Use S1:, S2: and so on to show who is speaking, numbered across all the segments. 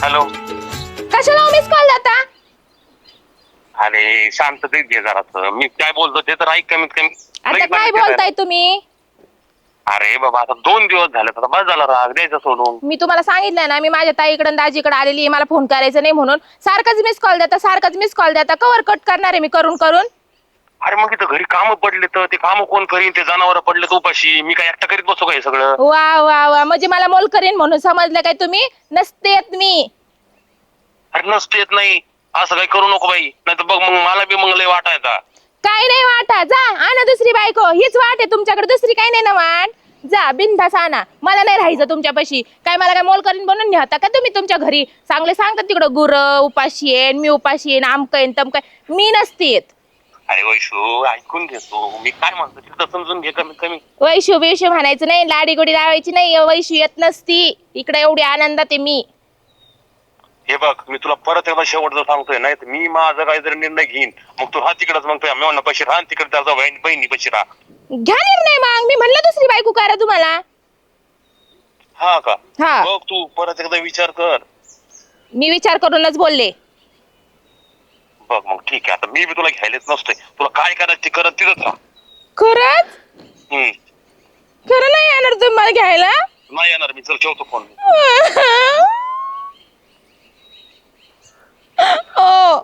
S1: Hello.
S2: कशाला miss call देता?
S1: अरे शांततेत घे जरा. मी काय बोलतो ते तर ऐक कमीत कमी.
S2: आता काय बोलताय तुम्ही?
S1: अरे बाबा आता 2 दिवस झाले आता बस झाला राग द्यायचा सोडून.
S2: मी तुम्हाला सांगितलं ना, मी माझ्या ताईकडे दाजीकडे आलेली आहे, मला फोन करायचा नाही म्हणून. सारखंच मिस कॉल देता, सारखंच मिस कॉल देता. कवर कट करणार आहे मी करून करून.
S1: अरे मग इथं घरी काम पडले तर ते काम कोण करीन? ते जनावर पडले तर उपाशी मी काय एकटा करीत बसू का हे सगळं?
S2: वा वा वा, म्हणजे मला मोल करीन म्हणून समजलं काय तुम्ही? नसते येत मी.
S1: अरे नसते येत नाही असं काही करू नको बाई, नाही तर बघ मग मला बी मग लय वाटायचा.
S2: काय नाही वाटा, जा आणा दुसरी बायको. हीच वाट आहे तुमच्याकडे, दुसरी काही नाही ना वाट. जा बिनधास आणा, मला नाही राहायचं तुमच्यापाशी. काय मला काय मोल करीन बनून न्याता का तुम्ही तुमच्या घरी? चांगले सांगतात तिकडं गुर उपाशी आहे, मी उपाशी आहे, आमकं आहे तमकं आहे. मी नसते येत.
S1: अरे वैशू ऐकून घेतो मी काय म्हणतो तिथं समजून घे कमीत कमी.
S2: वैशू बिशू म्हणायचं नाही, लाडी गोडी लावायची नाही. वैशू येत नसती इकडे, एवढी आनंदात आहे मी.
S1: हे बघ मी तुला परत एकदा शेवटचं सांगतोय, नाही तर मी माझा काहीतरी निर्णय घेईन मग तू हा तिकडच मग तुझ्या मेवना पैसे राहा तिकडे त्याचा बहिणी पैसे राहा.
S2: घ्या निर्णय मग. मी म्हणलं दुसरी बायको करा तुम्हाला.
S1: हा का?
S2: हा.
S1: बघ तू परत एकदा विचार कर.
S2: मी विचार करूनच बोलले.
S1: बघ मग ठीक आहे, आता मी बी तुला घ्यायलाच नसतोय. तुला काय करायचं ते करत तिथंच राहा.
S2: खरंच?
S1: हम्म.
S2: खरं नाही येणार तुम्ही मला घ्यायला?
S1: नाही येणार मी, चल ठेवतो फोन.
S2: ओ.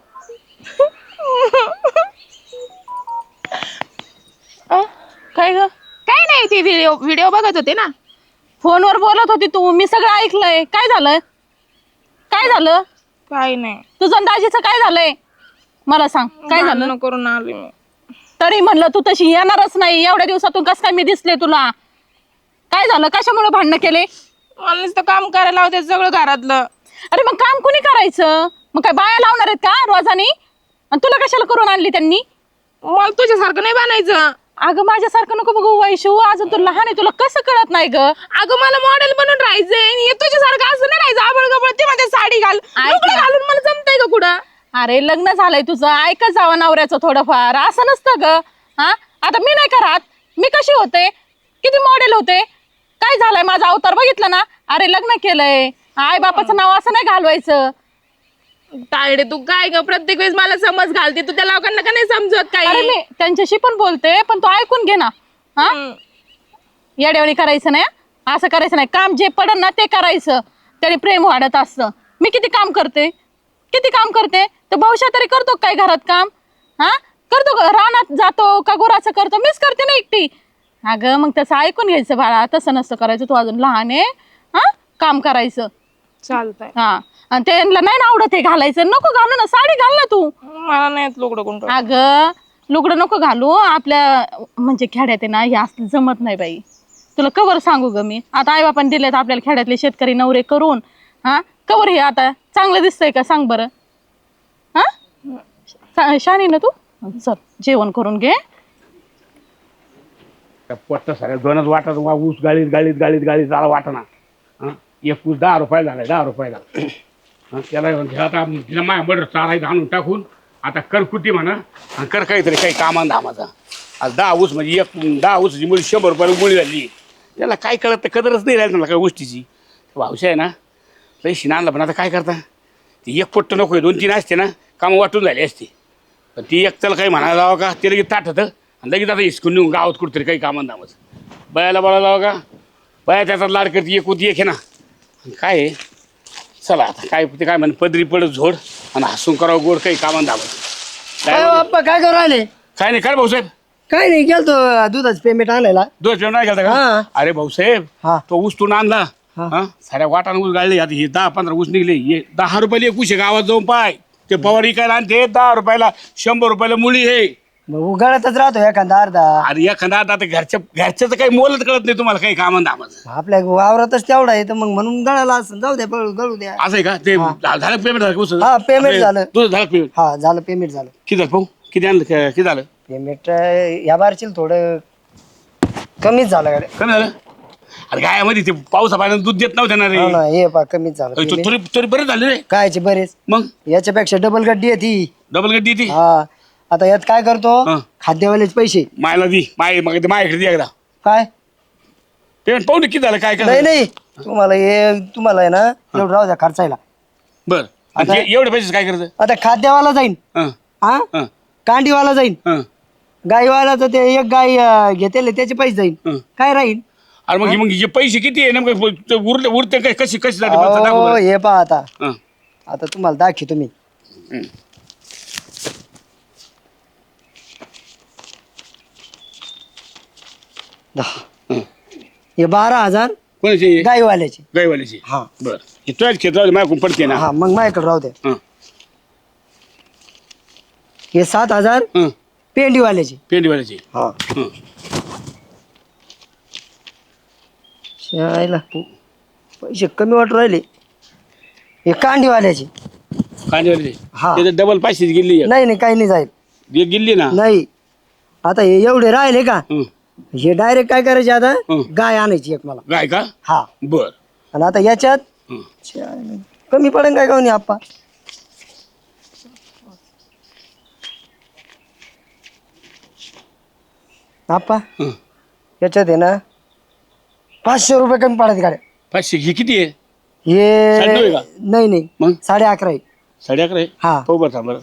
S2: काय ग? काय नाही, ती व्हिडिओ बघत होते ना.
S3: फोनवर बोलत होती तू, मी सगळं ऐकलंय. काय झालं? काय झालं?
S2: काय नाही.
S3: तुझं दाजीचं काय झालंय मला सांग. काय झालं?
S2: करून आली मी.
S3: तरी म्हणलं तू तशी येणारच नाही. एवढ्या दिवसातून कसं काय मी दिसले तुला? काय झालं? कशामुळे भांडणं केले?
S2: मला नुसतं काम करायला होते सगळं घरातलं.
S3: अरे मग काम कोणी करायचं? मग काय बाया लावणार आहेत का रोजानी? आणि तुला कशाला करून आणली त्यांनी?
S2: मला तुझ्यासारखं नाही बनायचं.
S3: अगं माझ्यासारखं नको बघू वैशू, अजून तू लहान आहे, तुला कसं कळत नाही ग?
S2: अगं मला मॉडेल बनून राहायचंय. हे तुझ्यासारखं असं नाही राहायचं. आबळ गबळ ते मध्ये साडी घाल, लुगडं घालून मला जमतंय का कुठं?
S3: अरे लग्न झालंय तुझं, ऐकत जावं नवऱ्याचं थोडंफार. असं नसतं ग. हा आता मी नाही का राहत? मी कशी होते? किती मॉडेल होते? काय झालंय माझा अवतार बघितलं ना? अरे लग्न केलंय, आई बापाचं नाव असं नाही घालवायचं.
S2: तायडे तू काय ग, प्रत्येक वेळेस मला समज घालते तू. त्या लोकांना का नाही समजत
S3: अरे
S2: काही?
S3: मी त्यांच्याशी पण बोलते, पण तू ऐकून घे ना. हा येड्यावानी करायचं नाही, असं करायचं नाही. काम जे पडन ना ते करायचं, त्याने प्रेम वाढत असतं. मी किती काम करते, किती काम करते. तर भाऊशा तरी करतो काय घरात काम? हा करतो का? रानात जातो का गुराचं करतो? मीच करते ना एकटी. अगं मग तसं ऐकून घ्यायचं बाळा, तसं नसतं करायचं. तू अजून लहान आहे, हा काम करायचं.
S2: चालतंय.
S3: हा आणि त्यांना नाही ना आवडत हे घालायचं, नको घालू ना, साडी घाल ना तू.
S2: मला नाही लुगडं कोण.
S3: अगं लुगडं नको घालू. आपल्या म्हणजे खेड्यात आहे ना हे असलं जमत नाही बाई. तुला कवर सांगू ग मी. आता आई बापाने दिलेत आपल्याला खेड्यातले शेतकरी नवरे करून. हा कवर हे आता चांगलं दिसतंय का सांग बरं? हा शानी ना तू. चल जेवण करून घे.
S4: पट्ट सगळ्या दोनच वाटत ऊस गाळीत गाळीत गाळीत गाळीत झाला वाटना. एक ऊस 10 रुपये झालाय, 10 रुपयाला. त्याला आता तिला माया बरं चारायचं आणून टाकून आता कर कुटी म्हणा आणि कर काहीतरी काही कामान धामाचा. आज 10 ऊस म्हणजे 10 ऊसाची मुळी 100 रुपयाला मुळी झाली. त्याला काय कळत तर कदरच नाही राहिली मला काय गोष्टीची. भावशा आहे ना लई शिना आणला, पण आता काय करता? ती एक पट्ट नको आहे, 2-3 असते ना कामं वाटून झाली असते. पण ती एक त्याला काही म्हणायला जावं का? ते लगेच ताठतं आणि लगेच आता हिसकून नेऊन गावात कुठतरी काही कामान धामाचं. बायाला बोलायला जावं का? बाया त्याचा लाड करते, एक होती एक आहे ना. काय आहे चला आता काय ते काय म्हणे पदरी पडत झोड आणि हसून करावं गोड काही कामान धामाचं.
S5: काय करू राहिले?
S4: काय नाही काय भाऊसाहेब?
S5: काय नाही, गेलतो दुधाचं पेमेंट आणायला.
S4: दोन जेवण नाही घालता
S5: हा.
S4: का? अरे भाऊसाहेब
S5: हा.
S4: तो ऊस तू आणला.
S5: हा.
S4: हा साऱ्या वाटानं ऊस गाळले. आता हे 10-15 ऊस निघले. हे 10 रुपयाला एक ऊस आहे, गावात जाऊन पाय. ते पवार इकायला आणते 10 रुपयाला, 100 रुपयाला मुळी आहे.
S5: मग उगाळतच राहतो एखादा अर्धा.
S4: अरे एखादा आता घरच्याचं काही मोलच कळत नाही तुम्हाला काही कामान धामाचं.
S5: आपल्या वावरातच तेवढा आहे तर मग म्हणून गळाला असं. जाऊ द्या, गळू द्या.
S4: असं आहे का? ते झालं पेमेंट झालं ऊस?
S5: हा, payment झालं.
S4: तुझं झालं पेमेंट?
S5: हा झालं, पेमेंट झालं.
S4: किती झालं भाऊ? किती आणलं किती झालं?
S5: पेमेंट या बारशील थोडं कमीच झालं गाड्या.
S4: कमी झालं? अरे गायामध्ये ते पावसा पाण्यानं दूध देत नव्हतं ना रे.
S5: हो ना, हे पा कमीच झालं payment.
S4: तरी तरी बरं झालं रे.
S5: कायचे बरेच.
S4: मग
S5: याच्यापेक्षा डबल गड्डी आहे ती.
S4: डबल गड्डी ती
S5: हा आता यात काय करतो,
S4: हा.
S5: खाद्यवालेच पैसे.
S4: मायला दी मग ते माझ्याकडे दे एकदा
S5: काय
S4: पेमेंट पाहू किती झालं काय
S5: नाही
S4: काय.
S5: नाही, तुम्हाला आहे ना एवढं राहू द्या खर्चायला.
S4: बर आणि ते एवढे पैसे काय करतं
S5: आता खाद्यवाला जाईन
S4: हं,
S5: हा
S4: हं,
S5: कांडीवाला जाईन
S4: हं.
S5: गाईवाला तर ते एक गाय घेतेले त्याचे पैसे जाईन
S4: हं.
S5: काय राहील
S4: अरे मग जे पैसे किती आहे नेमकं ते उरते काय कशी कशी जाते मला दाखव
S5: अहो,
S4: बरं.
S5: हे पहा आता
S4: हं,
S5: आता तुम्हाला दाखवतो मी
S4: हं. हं.
S5: हे 12,000
S4: कोणाची
S5: गाईवाल्याचे
S4: गायवाल्याची
S5: हा
S4: बर हे तुझ्याच क्षेत्रात माझ्याकडून पडते ना
S5: हा मग माझ्याकडे राहू द्या
S4: हं,
S5: हे 7,000
S4: हं.
S5: पेंडीवाल्याचे
S4: पेंडीवाल्याची
S5: हा
S4: हं.
S5: शाळेला पैसे कमी वाटू राहिले हे कांडीवाल्याचे
S4: कांदेवाल्याची
S5: हा.
S4: त्याच्यात डबल पैसे गेली
S5: नाही नाही काही नाही जाईल
S4: एक गेली ना
S5: नाही आता हे एवढे राहिले का
S4: हं.
S5: हे डायरेक्ट काय करायचे आता
S4: हं.
S5: गाय आणायची एक मला
S4: गाय का
S5: हा
S4: बर
S5: आणि आता याच्यात
S4: हं.
S5: शाळेला कमी पडेल काय काऊन आप्पा आप्पा
S4: हं.
S5: याच्यात आहे ना 500 रुपये कमी पडत गाड्या
S4: 500 ही किती आहे
S5: हे
S4: 9.5 आहे का?
S5: नाही नाही
S4: मग
S5: 11.5 आहे
S4: 11.5 आहे
S5: हा
S4: हो बरं थांब बरं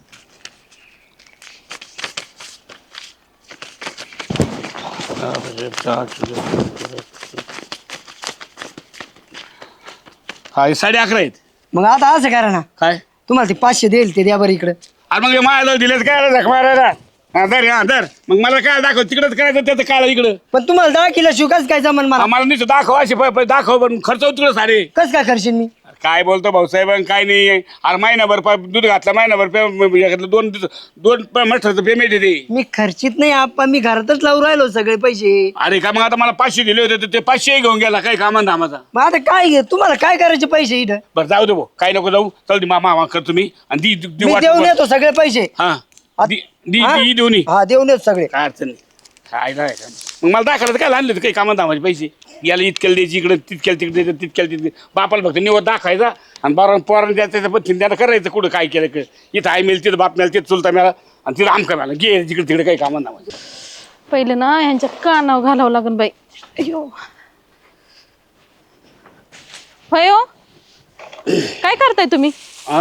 S4: हा हे 11.5 आहेत
S5: मग आता असं करा ना
S4: काय
S5: तुम्हाला ते 500 देईल ते द्या बरं इकडे
S4: अरे मग माझ्या दिलेच काय झक मारायला हा धर मग मला काय दाखव तिकडच करायचं त्याचं काळ इकडं
S5: पण तुम्हाला 10 किलो शिवकाच काय जमन मला
S4: आम्हाला नुसतं दाखव असे दाखव पण खर्च होतो तिकडं सारे
S5: कस काय करशील मी
S4: अरे काय बोलतो भाऊसाहेब काय नाही अरे महिनाभर दूध घातलं महिनाभर दोन मठाचं पेमेंट येते
S5: मी खर्चित नाही आप्पा मी घरातच लावून राहिलो सगळे पैसे
S4: अरे का मग आता मला 500 दिले होते तर ते 500 घेऊन गेला काय कामान धामाचा
S5: मग आता काय घे तुम्हाला काय करायचे पैसे इथं
S4: बरं जाऊ दे भाऊ काय नको जाऊ चल दे मामा करतो मी आणि
S5: मी देऊन येतो सगळे पैसे
S4: हा
S5: हा?
S4: देऊन ये.
S5: हा देऊन येतो सगळे
S4: काय अडचण नाही काय नाही का मग मला दाखवलं काय आणले काही कामात दामाचे पैसे याला इतक्याला द्यायची इकडे तितक्याला तिकडे द्यायचं तितक्याला तिकडे बापाला फक्त निवड दाखवायचा आणि बारा पोरांना द्यायचं त्याच्या पद्धतीने त्याला करायचं कुठं काय केलं इथं आई मिळेल तिथं बाप मिळेल तिथं चुलता मिळाला आणि तिथं आमका मिळाला गे तिकडे तिकडे काही कामात दामाचे
S3: पहिले ना ह्यांच्या कानावर घालावं लागन बाई अयो होय हो काय करताय तुम्ही
S4: हा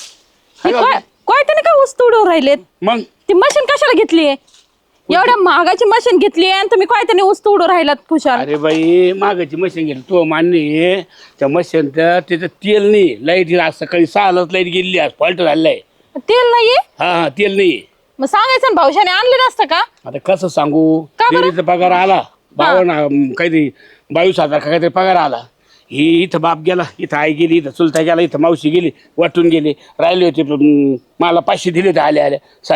S3: काय त्याने काय वस्तू उडवून राहिलेत
S4: मग
S3: ती मशीन कशाला घेतलीये एवढ्या महागाची मशीन घेतली आणि तुम्ही काय त्याने वस्तू उडवून राहिलात खुशाल
S4: अरे बाई मागाची मशीन गेली तो मान्य आहे त्या मशीन त्याचं तेल नाही लाईट आज सकाळी 6लाच लाईट गेली आज फॉल्ट झालेला आहे
S3: तेल नाहीये
S4: हा तेल नाही
S3: मग सांगायचं ना भाऊशाने आणलं नसतं का
S4: आता कसं सांगू
S3: का बरं?
S4: डेअरीचा पगार आला 52 काहीतरी 22,000 का काहीतरी पगार आला ही इथं बाप गेला इथं आई गेली इथं चुलता गेला इथं मावशी गेली वाटून गेली राहिले होते मला 500 दिले होते आले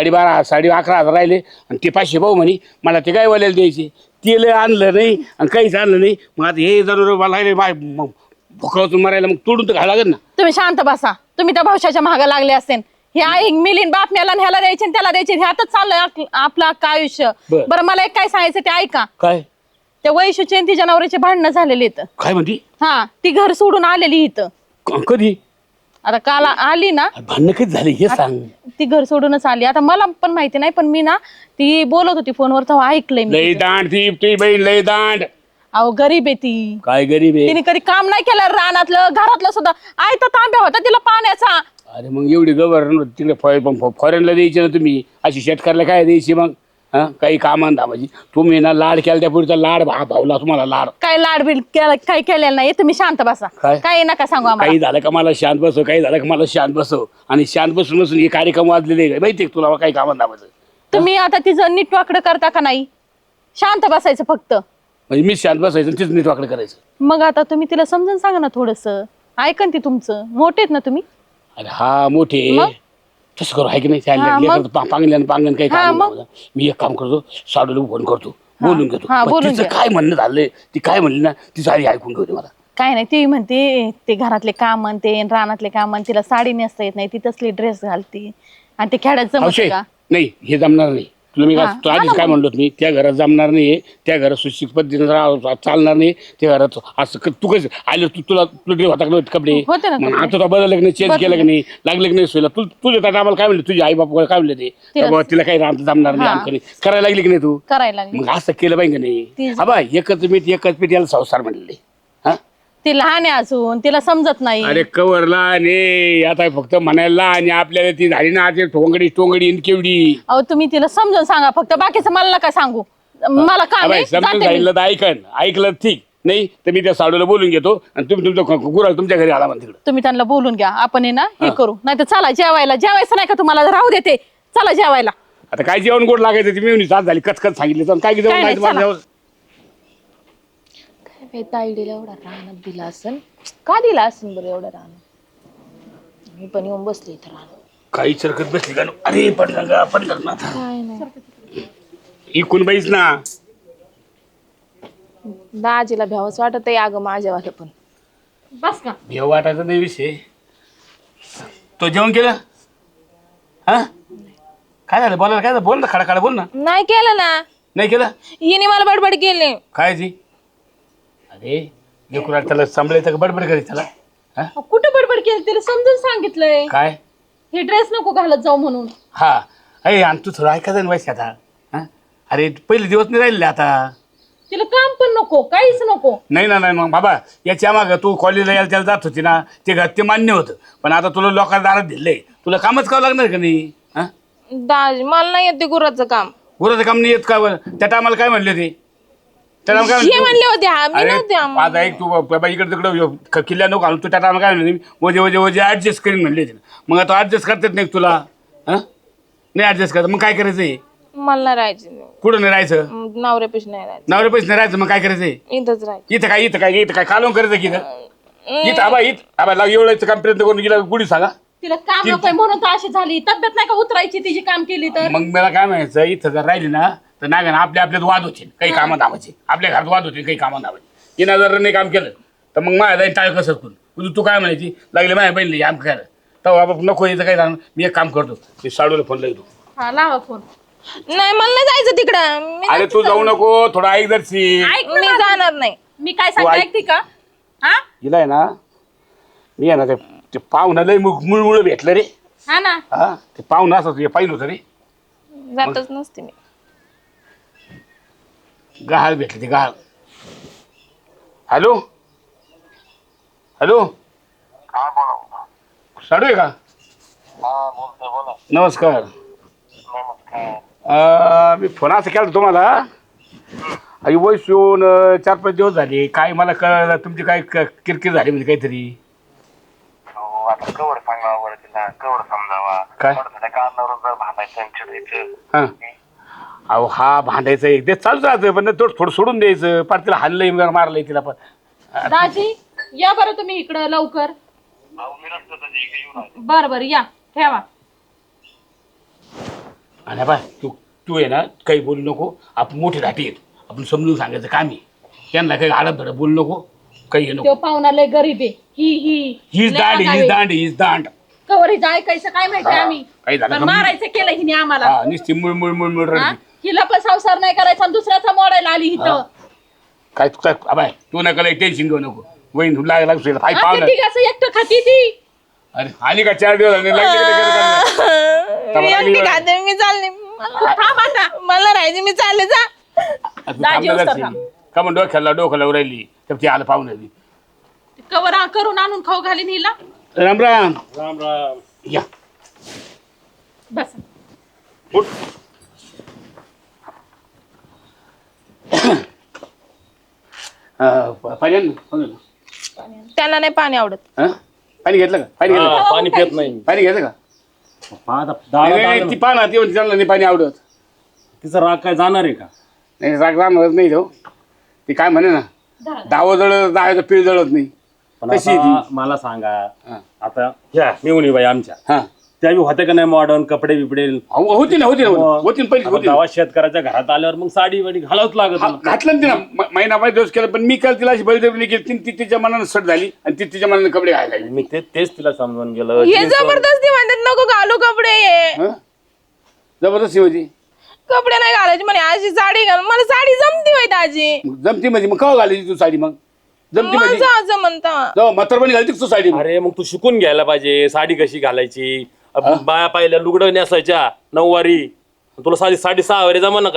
S4: 11,500 राहिले आणि ते 500 भाऊ म्हणे मला ते काय वाल्याला द्यायचे तेल आणलं नाही आणि काहीच आणलं नाही मग आता हे जरूर मला राहिले भुकावतून मारायला मग तोडून तर घाला लागेल ना
S3: तुम्ही शांत बसा तुम्ही त्या भाऊशाच्या महागा लागले असेल हे आई मिलीन बाप मेला ह्याला द्यायचे आणि त्याला द्यायचे ह्यातच चाललंय आपलं अख्खं आयुष्य
S4: बरं.
S3: बरं मला एक काय सांगायचं ते ऐका
S4: काय
S3: त्या वैशूची आणि तिच्या नवऱ्याचे भांडणं झालेले इथं
S4: काय म्हणती
S3: हा ती घर सोडून आलेली इथं
S4: कधी
S3: आता काल आली ना
S4: भांडणं कधी झाले हे सांग
S3: ती घर सोडूनच आली आता मला पण माहिती नाही पण मी ना ती बोलत होती फोनवर तेव्हा ऐकलंय मी
S4: लई दांड ती बहीण लई दांड
S3: अहो गरीब आहे ती
S4: काय गरीब आहे
S3: तिने कधी काम नाही केलं रानातलं घरातलं सुद्धा आयता तांब्या होता तिला पाण्याचा
S4: अरे मग एवढी गव्हर्नर तिकडे फॉरेनला द्यायची ना तुम्ही अशी शेतकऱ्याला काय द्यायची मग हा काही कामान दामाची तुम्ही ना लाड केला त्या पुढचा लाड भावला तुम्हाला लाड
S3: काय लाडबीड काय केलेलं नाही तुम्ही शांत बसा
S4: काय?
S3: काय नका सांगू आम्हाला
S4: काही झालं का मला शांत बसव काही झालं का मला शांत बसव आणि शांत बसून बसून हे कार्यक्रम वाजलेले आहे माहिती आहे तुला काही कामान दामाचं
S3: तुम्ही आता तिचं नीट वाकडं करता का नाही शांत बसायचं फक्त
S4: म्हणजे मी शांत बसायचं आणि तीच नीट वाकडं करायचं
S3: मग आता तुम्ही तिला समजून सांगा ना थोडस ऐकन ती तुमचं मोठेत ना तुम्ही
S4: अरे हा मोठे
S3: मग?
S4: तसं करू आहे की नाही
S3: हा, मग?
S4: पांगल्यानं काही
S3: हा,
S4: काम
S3: मग?
S4: नाही. मी एक काम करतो साडूला फोन करतो बोलून घेतो
S3: हा,
S4: पण
S3: बोलून
S4: तिचं
S3: घ्या.
S4: काय म्हणणं झालंय ती काय म्हणली ना ती साडी ऐकून घेऊ दे मला
S3: काय नाही ती म्हणते ते घरातले काम ते रानातले काम तिला साडी नेसता येत नाही ती तसली ड्रेस घालते आणि ते खेळायत जमत
S4: अवशय
S3: का
S4: नाही हे जमणार नाही तुला मी
S3: हा,
S4: तू
S3: हा
S4: आधीच
S3: ना
S4: काय
S3: मग.
S4: म्हणलो मी त्या घरात जमणार नाही त्या घरात सुशिक पद्धतीने चालणार नाही त्या घरात असं तू कसं आलं तुला ड्रेस होता का नव्हते कपडे
S3: होते ना
S4: मग
S3: कपडे.
S4: आता तो बदललं की नाही चेंज केलं की नाही लागलं की नाही सोयला तुझ्या त्या आम्हाला काय म्हणलं तुझे आई बापा काय म्हणले ते
S3: तिला-
S4: बाबा तिला काही जमणार नाही
S3: हा.
S4: आमकडे करायला लागली की नाही तू
S3: करायला लागली
S4: मग असं केलं पाहिजे का नाही
S3: ती-
S4: हा बाय एकच मीठ एकच पीठ याला संसार म्हणले हा
S3: ती लहान आहे अजून, तिला समजत नाही.
S4: अरे कवरला आणि आता फक्त म्हणायला आणि आपल्याला ती झाली ना आता टोंगडी इन केवडी.
S3: अहो तुम्ही तिला समजून सांगा फक्त, बाकीचं मला नका सांगू. मला काम
S4: अबे,
S3: आहे,
S4: समजून
S3: जाते मी.
S4: सांगितलं तर ऐकलं ठीक नाही तर मी त्या साडूला बोलून घेतो आणि तुम्ही तुमचं गुराळ तुमच्या घरी आला म्हणा तिकडं.
S3: तुम्ही त्यांना बोलून घ्या, आपण आहे ना हे करू. नाही तर चला जेवायला. जेवायचं नाही का तुम्हाला? राहू देते, चला जेवायला.
S4: आता काय जेवण गोड लागायचं ती मिळून साथ झाली कचकच सांगितली तर काय जेवण
S3: काय नाही,
S4: नाही तुम्हाला?
S2: काय ताईडीला एवढा रानात दिला असन, का दिला असन बरं एवढं रान? मी पण येऊन बसले इथं रान.
S4: काही चरकत बसली का? अरे पडलं ना आता.
S2: काय नाही,
S4: इकून बाईच ना.
S2: दाजीला भ्यावंच वाटत आहे अगं माझ्यावालं पण.
S3: बस का?
S4: भेव वाटायचा नाही विषय. तो जेवण केलं? हा काय झालं बोलायला? काय झालं? बोल ना, खडा बोल ना.
S2: नाही केलं ना,
S4: नाही केलं?
S2: हिने मला बडबड केली.
S4: काय जी? अरे लेकरू त्याला सांभाळायचं का बडबड करायचं त्याला? हा?
S3: कुठं बडबड केली? तिला समजून सांगितलंय
S4: काय?
S3: हे ड्रेस नको घालत जाऊ म्हणून.
S4: हा अरे आणि तू थोडं ऐकायचं ना वैसे आता. हा अरे पहिले दिवस नाही राहिले आता.
S3: तिला काम पण नको, काहीच नको.
S4: नाही ना नाही मग बाबा याच्या मागं तू कॉलेजला यायला त्याला जात होती ना ते मान्य होतं पण आता तुला लोकांना दारात दिलंय तुला कामच करावं लागणार का नाही? हा
S2: दाजी मला नाही येत ते गुराचं काम.
S4: गुराचं काम नाही येत का बरं? त्या टायमाला काय म्हणले ते? त्या टायमाला काय
S2: हे म्हणले होते, हा मी नव्हते.
S4: आता एक तू बाबा इकडे तिकडे किल्ल्या नको घालून तू त्या टायमाला काय म्हणले? वजे ऍडजस्ट करीन म्हणले ते. मग आता ऍडजस्ट करतात नाही तुला? हा नाही ऍडजस्ट करत मग काय करायचंय?
S2: मला नाही राहायचं,
S4: कुठं नाही राहायचं?
S2: नवऱ्यापेक्षा नाही राहायचं,
S4: नवरे पैसे नाही राहायचं मग काय करायचंय?
S2: इथंच राहायचं.
S4: इथं काय कालवून करायचं की इथं आबा एवढं काम प्रयत्न करून गेला गुढी सांगा.
S3: तिला काम नकोय म्हणून तर अशी झाली. तब्येत नाही का उतरायची तिची काम केली तर?
S4: मग मला काय म्हणायचं इथं जर राहिली ना तर नाही का ना आपल्यात वाद होतील काही कामं धावायचे आपल्या घरात वाद होतील काही कामं धावायचे. तिनं जर नाही काम केलं तर मग माझ्या जाईल टाळ कसं करून तू काय म्हणायची लागले माझ्या बहिणीला आम खायला तर बाबा नको यायचं काय जाणं. मी एक काम करतो मी साडूला फोन लावतो.
S3: हा लावा फोन.
S2: नाही मला नाही जायचं तिकडं.
S4: अरे तू जाऊ नको थोडा ऐक जरशी.
S3: ऐक
S2: मी जाणार नाही.
S3: मी काय सांगते
S4: ऐक.
S3: ऐकते का? हा
S4: हिला आहे ना मी आहे ना ते पाहुणा लय मुळमुळ भेटलं रे.
S3: हा ना.
S4: हा ते पाहुणा असं पाहिलं होतं रे.
S2: जातच नसते मी.
S4: गहाळ भेटले ते गहाळ. हॅलो साडू आहे का? नमस्कार. मी फोन असं केला तुम्हाला आई वयस येऊन 4-5 दिवस झाले काय मला कळलं तुमची काय किरकिर झाली म्हणजे काहीतरी.
S1: आता कवर सांगावं बरं तिला कवर समजावा
S4: काय?
S1: कारणावरून जर भांडायचं चिडायचं.
S4: हा अहो हा भांडायचं एक ते चालूच राहतं पण थोडं सोडून द्यायचं पार तिला हल्लंय मारलंय तिला पण.
S3: दाजी या बरं तुम्ही इकडं लवकर.
S1: मी नसतो तर जे काही येऊन आले.
S3: बरं या ठेवा.
S4: आणि बाय तू आहे ना काही बोलू नको आपण मोठे घाटी येत आपण समजून सांगायचं काम आहे त्यांना काही आडत धडत बोलू नको काही हे
S3: तो
S4: नको.
S3: पाहुणा लय गरीब आहे.
S4: हीच दांड
S3: कवर हिचं ऐकायचं काय माहिती आम्ही.
S4: काही झालं
S3: पण
S4: का?
S3: मारायचं केलं हिने आम्हाला.
S4: हा नुसती मुळ
S3: हा? हिला पण संसार नाही करायचा आणि दुसऱ्याचा मोडायला आली इथं.
S4: काय अबाय तू नका लई टेन्शन घेऊ नको वहीन लागला फाय
S3: आपल्या
S4: पाहुणा.
S3: तिघाचं एकटं खाती ती.
S4: अरे आली का 4 दिवस झाले, लागली का
S2: मी
S4: लागली
S2: एकटी
S4: का?
S2: खाते, मी चालले.
S3: थांब आता.
S2: मला राहायचं, मी चालले. जा.
S4: तू
S3: दाजी
S4: थांबला
S3: उस्तर
S4: जाशील. का म्हणून डोक्याला राहिली तर ती आलं पाहुणं.
S3: कवर करून आणून खाऊ घालीन हिला.
S4: राम राम. या
S3: बस
S4: उठ. पाणी आण ना.
S2: त्यांना नाही पाणी आवडत.
S4: हा? पाणी घेतलं का? पाणी घेतलं
S6: पाणी पित नाही.
S4: पाणी घेतलं का? नाही, ती पाना ती म्हणते त्यांना नाही पाणी आवडत.
S6: तिचा राग काय जाणार आहे का?
S4: नाही राग राहणारच नाही तो. ती काय म्हणे ना दावं जळत दहाचं पीळ जळत नाही
S6: पण
S4: तशी
S6: आता
S4: ती.
S6: मला सांगा
S4: हा.
S6: आता ह्या मेवणी बाई आमच्या
S4: हा
S6: त्या बी होते का नाही मॉडर्न कपडे बिपडे
S4: होती ना होती ना पहिली होती ना.
S6: गावात शेतकऱ्याच्या घरात आल्यावर मग साडी वाडी घालावच लागत
S4: हा,
S6: ना.
S4: घातलं ना तिला महिना दिवस केलं पण मी काल तिला अशी बळजबरी केली ती तिच्या मनानं सट झाली आणि ती तिच्या मनानं कपडे घालायला लागली.
S6: मी तेच तिला समजून गेलं.
S2: हे
S6: जीन्स वर-
S2: जबरदस्ती म्हणतात नको घालू कपडे.
S4: हं? जबरदस्ती म्हणजे
S2: कपडे नाही घालायचे म्हणे, अशी साडी घाल. मला साडी जमती होय दाजी.
S4: जमती म्हणजे मग कवा घालायची तू साडी? मग जमती म्हणजे
S2: माझं असं म्हणता.
S4: जेव्हा म्हातारपणी घालती तू साडी.
S6: अरे मग तू शिकून घ्यायला पाहिजे साडी कशी घालायची. बाया पाहिल्या लुगडं नेसायच्या 9 वारी तुला साडी 6.5 वारी जमा ना काय.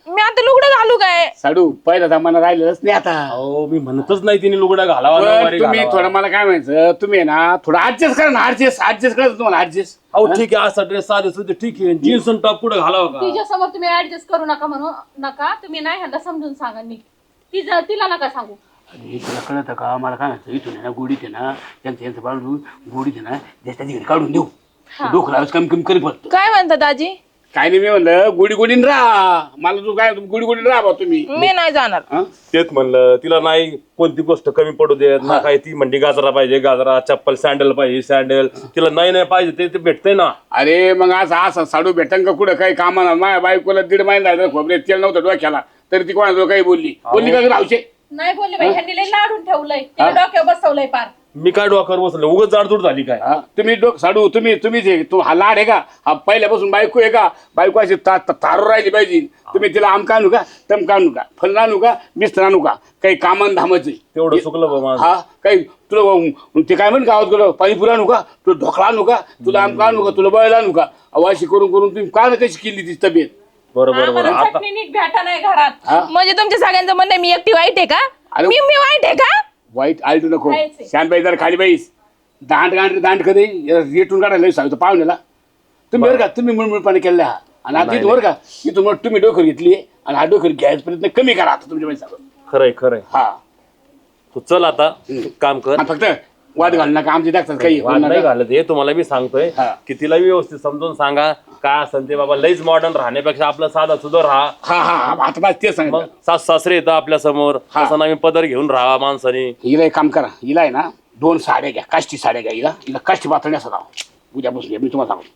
S2: मी आता लुगडं घालू काय?
S4: साडू पहिला जमाना राहिलेलंच नाही आता.
S6: अहो मी म्हणतच नाही तिने लुगडा घालावा
S4: पण
S6: नऊवारी
S4: तुम्ही
S6: घालावा.
S4: थोडं मला काय म्हणायचं, तुम्ही आहे ना थोडं ऍडजस्ट करा ना. ऍडजस्ट करा तुम्हाला ऍडजस्ट.
S6: अहो ठीक आहे असा ड्रेस साधे सुद्धा ठीक आहे. जीन्स आणि टॉप कुठं घालावा का?
S3: तिच्या समोर तुम्ही ऍडजस्ट करू नका म्हणू नका. तुम्ही नाही ह्यांना समजून सांगा नीट. तिला नका सांगू.
S4: अरे तुला कळतं का, मला काय म्हणायचं, इथून आहे ना गोडीत आहे ना यांचं बाळून गोडीत आहे ना ज्याच्या तिकडे काढून देऊ. डोकं लावायचं कमी कमी करी फक्त.
S2: काय म्हणता दाजी?
S4: काय नाही, मी म्हणलं गोडी गोडीन राहा. मला तू काय गोडी गोडीन राहा बा तुम्ही.
S2: मी नाही जाणार.
S4: हा?
S6: तेच म्हणलं तिला नाही कोणती गोष्ट कमी पडू देत ना. काय ती म्हणली गाजरा पाहिजे गाजरा, चप्पल सँडल पाहिजे सँडल. तिला नाही पाहिजे ते भेटतंय ना.
S4: अरे मग असं साडू भेटन का कुठं काही कामाला. माझ्या बायकोला 1.5 महिना झाला खोबरे तेल नव्हतं डोक्याला, तरी ती कोणाजवळ काही बोलली का राहूचे.
S3: नाही बोलले बाई, ह्यांनी लई लाडून ठेवलंय. तिला डोक्यावर बसवलंय पार.
S6: मी काय डोक्यावर बसलो उगाच जाडजूड झाली काय?
S4: तुम्ही साडू तुम्हीच आहे. तू हा लाड आहे का? हा पहिल्यापासून बायको आहे का? बायको अशी तारू राहिली पाहिजे. तुम्ही तिला आमका आणू का, तमका आणू का, फल आणू का, मिस्त्र आणू का, काही कामान धामाचे
S6: तेवढं चुकलं बा माझं.
S4: हा काही तुला ते काय म्हण गावात गेलो पाणीपुरी आणू का, तुला ढोकळा आणू का, तुला आमका आणू का, तुला बळायला आणू का. अशी करून तुम्ही का ना कशी केली ती तब्येत.
S6: बरोबर
S3: आम्हाला
S6: आता
S3: चटणी नीट भेटा नाही घरात.
S4: हा
S2: म्हणजे तुमच्या सगळ्यांचं म्हणणं आहे मी एकटी वाईट आहे का?
S4: अरे-
S2: मी वाईट आहे का?
S4: वाईट आलटू नको.
S3: खायचे.
S4: शानबाई जरा खाली बाईस. दांड कधी रेटून काढायला सांगतो पाहुण्याला. तुम्ही बरं का तुम्ही मुळमुळपणे केलेला हा. आणि आता इथं बरं का इथून मग तुम्ही डोकर घेतली आणि हा डोकर घ्यायचा प्रयत्न कमी करा आता तुमच्या पैसा.
S6: खरंय
S4: हा
S6: तू चल आता काम कर.
S4: आणि फक्त वाद घालू नका आमचे दाखतात काही
S6: वाद नाही घालत हे तुम्हाला मी सांगतोय
S4: हा.
S6: की तिला व्यवस्थित समजून सांगा काय असेल ते. बाबा लईच मॉडर्न राहण्यापेक्षा आपला साधा सुद्धा राहा.
S4: हा हा आता बस तेच
S6: मग
S4: सांगितलं.
S6: सास सासरे येतं आपल्या समोर
S4: हा.
S6: असं आम्ही पदर घेऊन राहा माणसाने.
S4: हिला एक काम करा. हिला आहे ना 2 साड्या घ्या, काष्टी साड्या घ्या. हिला काष्टी पातळी असं राहा. उद्यापासून मी तुम्हाला सांगतो.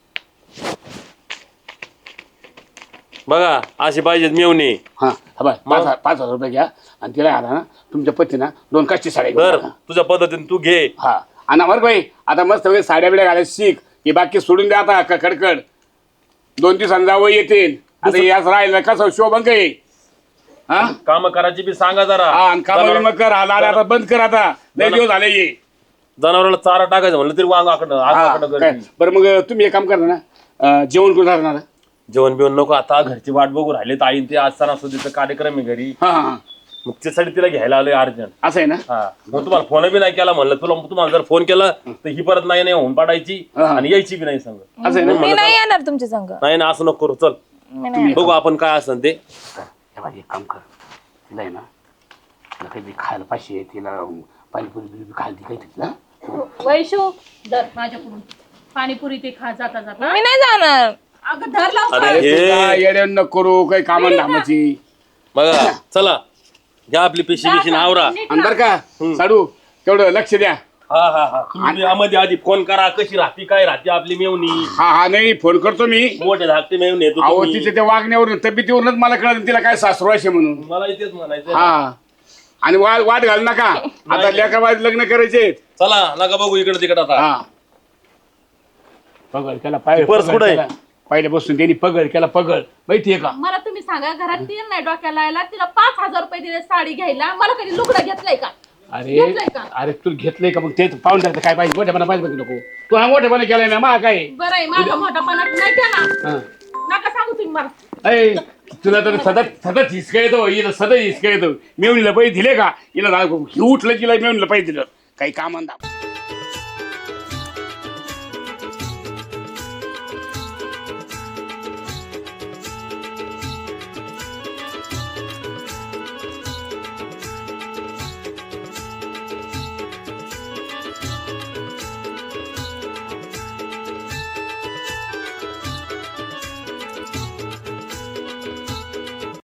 S6: बघा अशी पाहिजे मेवणी.
S4: हा हा बाय 5,000 रुपये घ्या आणि तिला आता ना तुमच्या पत्नीना 2 काष्टी साड्या
S6: तर
S4: घ्या.
S6: तुझ्या पद्धतीने तू घे.
S4: हा आणि बरं बाई आता मस्त वगैरे साड्या बिड्या घालायला शिक. हे बाकी सोडून द्या आता कडकड. 2 दिवसांनी जावं येतील. आता याच राहिलं कसं शोभंक आहे. हा
S6: काम करायची बी सांगा जरा.
S4: आणि काम कर. हा लाड आता बंद कर आता. लय दिवस झाले ये.
S6: जनावराला चारा टाकायचं म्हणलं तरी वांगाकडं
S4: हा,
S6: आगाकडं
S4: काय.
S6: करते.
S4: बरं मग तुम्ही एक काम करा ना जेवण करून राहणार.
S6: जेवण बिवण नको आता घरची वाट बघू राहिले. ताईन ते आज सणासुदीचा कार्यक्रम आहे घरी.
S4: हा हा
S6: मग त्यासाठी तिला घ्यायला आलोय अर्जंट.
S4: असं आहे ना.
S6: हा मग तुम्हाला फोन बी नाही केला म्हणलं तुम्हाला जर फोन केला तर ही परत नाही होऊन पाडायची
S4: हा.
S6: आणि यायची बी नाही सांग.
S4: असं आहे ना.
S2: मी नाही येणार तुमच्या संग.
S6: नाही ना असं नको करू. चल
S2: मी नाही.
S6: बघू आपण काय असेल ते.
S4: एक काम कर. तिला आहे ना तिला काहीतरी खायला पाहिजे. तिला पाणीपुरी बिरी खायला ती काहीतरी ना.
S3: वैशू धर माझ्याकडून पाणीपुरी ते खा जाता जाता.
S2: मी नाही जाणार.
S3: अगं धर लाव.
S6: अरे हे
S4: येड्या न करू काही कामान धामाची.
S6: बघा चला घ्या आपली पिशी बिशी आवरा.
S4: आणि बरं का साडू तेवढं लक्ष द्या.
S6: हा हा हा तुम्ही यामध्ये आधी फोन करा कशी राहते काय राहते आपली मेवणी.
S4: हा हा नाही फोन करतो मी.
S6: मोठे धाकटे मेवणी येतो
S4: अहो
S6: तुम्ही.
S4: तिच्या त्या वागण्यावरून तब्येतीवरूनच मला कळलं तिला काय सासरू असे म्हणून.
S6: मला इथेच म्हणायचं.
S4: हा आणि वाद घालू नका. आता लेकराबाद लग्न करायचे.
S6: चला नका बघू इकडे तिकडे आता.
S4: हा पगड केला
S6: पर्स कुठं आहे?
S4: पहिल्यापासून त्यांनी पगड केला. पगड माहितीये का.
S3: मला तुम्ही सांगा घरात तीन नाही डोक्याला यायला. तिला 5,000 रुपये दिले साडी घ्यायला. मला कधी लुगडा घेतलाय का?
S4: अरे
S3: घेतलंय का?
S4: अरे तू घेतलंय का. मग ते पाहून द्यायचं काय पाहिजे. मोठ्यापणा पाहिजे बघ नको. तू हा मोठेपणा केलाय ना मा काय.
S3: बरं आहे माझा मोठापणा नाही केला.
S4: हा.
S3: नका सांगू तुम्ही मला.
S4: अय तुला तर सतत हिसका येतो. हिला सतत हिसका येतो. मेवणीला पैसे दिले का. हिला ही उठलं तिला मेवणीला पैसे दिलं काही कामान